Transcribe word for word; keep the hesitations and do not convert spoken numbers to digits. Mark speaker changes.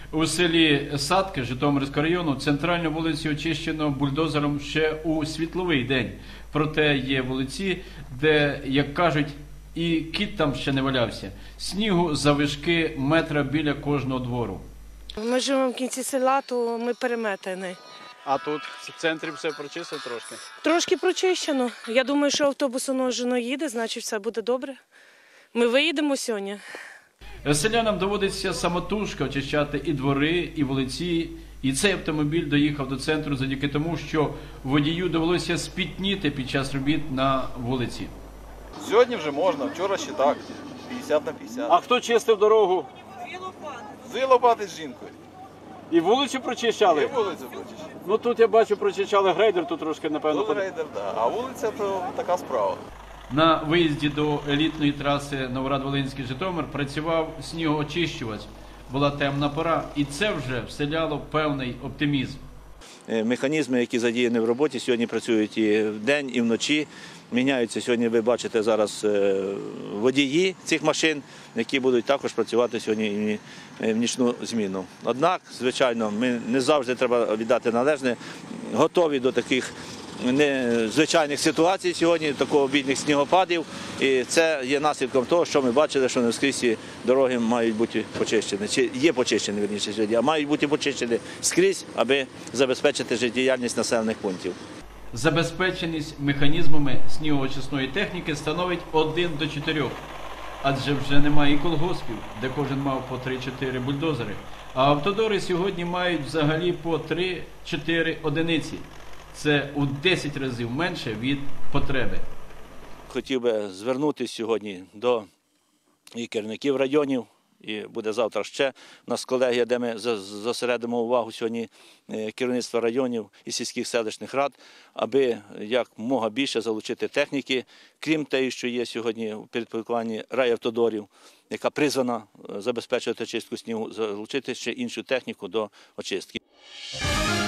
Speaker 1: У селі Садки Житомирського району центральну вулицю очищено бульдозером ще у світловий день. Проте є вулиці, де, як кажуть, і кіт там ще не валявся. Снігу завишки метра біля кожного двору.
Speaker 2: Ми живемо в кінці села, то ми переметені.
Speaker 3: А тут в центрі все прочистив трошки?
Speaker 2: Трошки прочищено. Я думаю, що автобус воно їде, значить все буде добре. Ми виїдемо сьогодні.
Speaker 1: Селянам доводиться самотужки очищати і двори, і вулиці. І цей автомобіль доїхав до центру завдяки тому, що водію довелося спітніти під час робіт на вулиці.
Speaker 4: Сьогодні вже можна, вчора ще так, п'ятдесят на п'ятдесят.
Speaker 3: А хто чистив дорогу?
Speaker 4: Дві лопати з жінкою.
Speaker 3: І вулицю прочищали?
Speaker 4: І вулицю прочищали.
Speaker 3: Ну тут я бачу, прочищали грейдер, тут трошки, напевно.
Speaker 4: Тут рейдер, да. А вулиця то така справа.
Speaker 1: На виїзді до елітної траси Новоград-Волинський-Житомир працював снігоочищувач. Була темна пора, і це вже вселяло певний оптимізм.
Speaker 5: Механізми, які задіяні в роботі, сьогодні працюють і вдень, і вночі. Міняються сьогодні, ви бачите зараз водії цих машин, які будуть також працювати сьогодні і в нічну зміну. Однак, звичайно, ми не завжди, треба віддати належне, готові до таких незвичайних ситуацій сьогодні, такого обідних снігопадів. І це є наслідком того, що ми бачили, що не скрізь дороги мають бути почищені, чи є почищені, вірніше сьогодні, а мають бути почищені скрізь, аби забезпечити життєдіяльність населених пунктів.
Speaker 1: Забезпеченість механізмами снігоочисної техніки становить один до чотирьох. Адже вже немає і колгоспів, де кожен мав по три-чотири бульдозери. А автодори сьогодні мають взагалі по три-чотири одиниці. Це у десять разів менше від потреби.
Speaker 5: Хотів би звернутися сьогодні до і керівників районів, і буде завтра ще у нас колегія, де ми зосередимо увагу сьогодні керівництва районів і сільських селищних рад, аби якомога більше залучити техніки, крім тієї, що є сьогодні у підпорядкуванні райавтодорів, яка призвана забезпечувати очистку снігу, залучити ще іншу техніку до очистки.